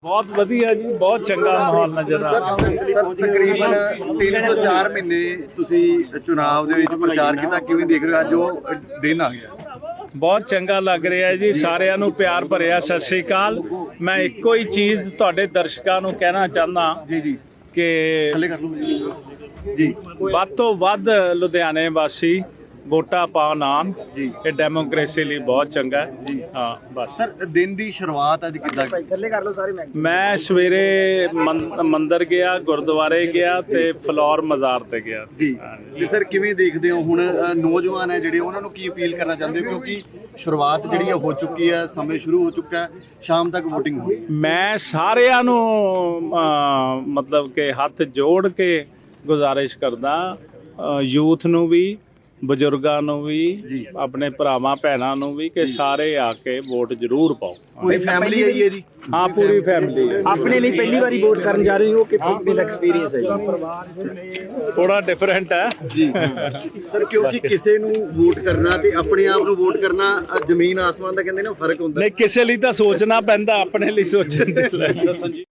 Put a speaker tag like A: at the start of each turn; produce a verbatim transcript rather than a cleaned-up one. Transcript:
A: बहुत वधिया जी, बहुत चंगा माहौल नजर आ रहा
B: ਸਰ ਤਕਰੀਬਨ ਤਿੰਨ ਤੋਂ ਚਾਰ ਮਹੀਨੇ ਤੁਸੀਂ ਚੁਣਾਵ ਦੇ ਵਿੱਚ ਪ੍ਰਚਾਰ ਕੀਤਾ, ਕਿਵੇਂ ਦੇਖ ਰਹੇ ਹੋ ਅੱਜ ਉਹ ਦਿਨ ਆ ਗਿਆ?
A: ਬਹੁਤ ਚੰਗਾ ਲੱਗ ਰਿਹਾ ਜੀ। ਸਾਰਿਆਂ ਨੂੰ ਪਿਆਰ ਭਰਿਆ ਸਤਿ ਸ੍ਰੀ ਅਕਾਲ। ਮੈਂ ਇੱਕੋ ਹੀ ਚੀਜ਼ ਤੁਹਾਡੇ ਦਰਸ਼ਕਾਂ ਨੂੰ ਕਹਿਣਾ ਚਾਹੁੰਦਾ
B: ਜੀ ਜੀ
A: ਕਿ
B: ਥੱਲੇ ਕਰ ਲਓ ਜੀ।
A: ਵੱਧ ਤੋਂ ਵੱਧ ਲੁਧਿਆਣੇ ਵਾਸੀ ਵੋਟਾਂ ਪਾਉਣ ਆਉਣ
B: ਜੀ।
A: ਇਹ ਡੈਮੋਕ੍ਰੇਸੀ ਲਈ ਬਹੁਤ ਚੰਗਾ ਹੈ
B: ਜੀ।
A: ਹਾਂ ਬਸ।
B: ਸਰ ਦਿਨ ਦੀ ਸ਼ੁਰੂਆਤ ਅੱਜ ਕਿੱਦਾਂ?
A: ਮੈਂ ਸਵੇਰੇ ਮੰ- ਮੰਦਿਰ ਗਿਆ, ਗੁਰਦੁਆਰੇ ਗਿਆ ਤੇ ਫਲੋਰ ਮਜ਼ਾਰ ਤੇ ਗਿਆ ਸੀ।
B: ਜੀ ਤੇ ਸਰ ਕਿਵੇਂ ਦੇਖਦੇ ਹੋ ਹੁਣ ਅ, ਨੌਜਵਾਨ ਹੈ ਜਿਹੜੇ, ਉਹਨਾਂ ਨੂੰ ਕੀ ਅਪੀਲ ਕਰਨਾ ਚਾਹੁੰਦੇ ਹੋ? ਕਿਉਂਕਿ ਸ਼ੁਰੂਆਤ ਜਿਹੜੀ ਹੈ ਹੋ ਚੁੱਕੀ ਹੈ, ਸਮੇਂ ਸ਼ੁਰੂ ਹੋ ਚੁੱਕਾ ਹੈ, ਸ਼ਾਮ ਤੱਕ VOTING ਹੋਣੀ ਹੈ।
A: ਮੈਂ ਸਾਰਿਆਂ ਨੂੰ ਅਹ, ਮਤਲਬ ਕਿ ਹੱਥ ਜੋੜ ਕੇ ਗੁਜ਼ਾਰਿਸ਼ ਕਰਦਾ, ਯੂਥ ਨੂੰ ਵੀ, ਬਜ਼ੁਰਗਾਂ ਨੂੰ ਵੀ,
B: ਜੀ।
A: ਆਪਣੇ ਭਰਾਵਾਂ ਭੈਣਾਂ ਨੂੰ ਵੀ, ਕਿ ਸਾਰੇ ਆ ਕੇ ਵੋਟ ਜ਼ਰੂਰ ਪਾਓ।
B: ਪੂਰੀ ਫੈਮਿਲੀ ਆਈ ਹੈ ਜੀ?
A: ਹਾਂ ਪੂਰੀ ਫੈਮਿਲੀ।
C: ਆਪਣੇ ਲਈ ਪਹਿਲੀ ਵਾਰੀ ਵੋਟ ਕਰਨ ਜਾ ਰਹੇ ਹੋ ਕਿ ਕਿੰਨਾ ਐਕਸਪੀਰੀਅੰਸ ਹੈ ਜੀ?
A: ਥੋੜਾ ਡਿਫਰੈਂਟ ਹੈ
B: ਜੀ ਸਰ, ਕਿਉਂਕਿ ਕਿਸੇ ਨੂੰ ਵੋਟ ਕਰਨਾ ਤੇ ਆਪਣੇ ਆਪ ਨੂੰ ਵੋਟ ਕਰਨਾ ਅ, ਜ਼ਮੀਨ ਆਸਮਾਨ ਦਾ ਕਹਿੰਦੇ ਨੇ ਫਰਕ ਹੁੰਦਾ।
A: ਨਹੀਂ, ਕਿਸੇ ਲਈ ਤਾਂ ਸੋਚਣਾ ਪੈਂਦਾ, ਆਪਣੇ ਲਈ ਸੋਚਣ ਦੇ ਲਈ।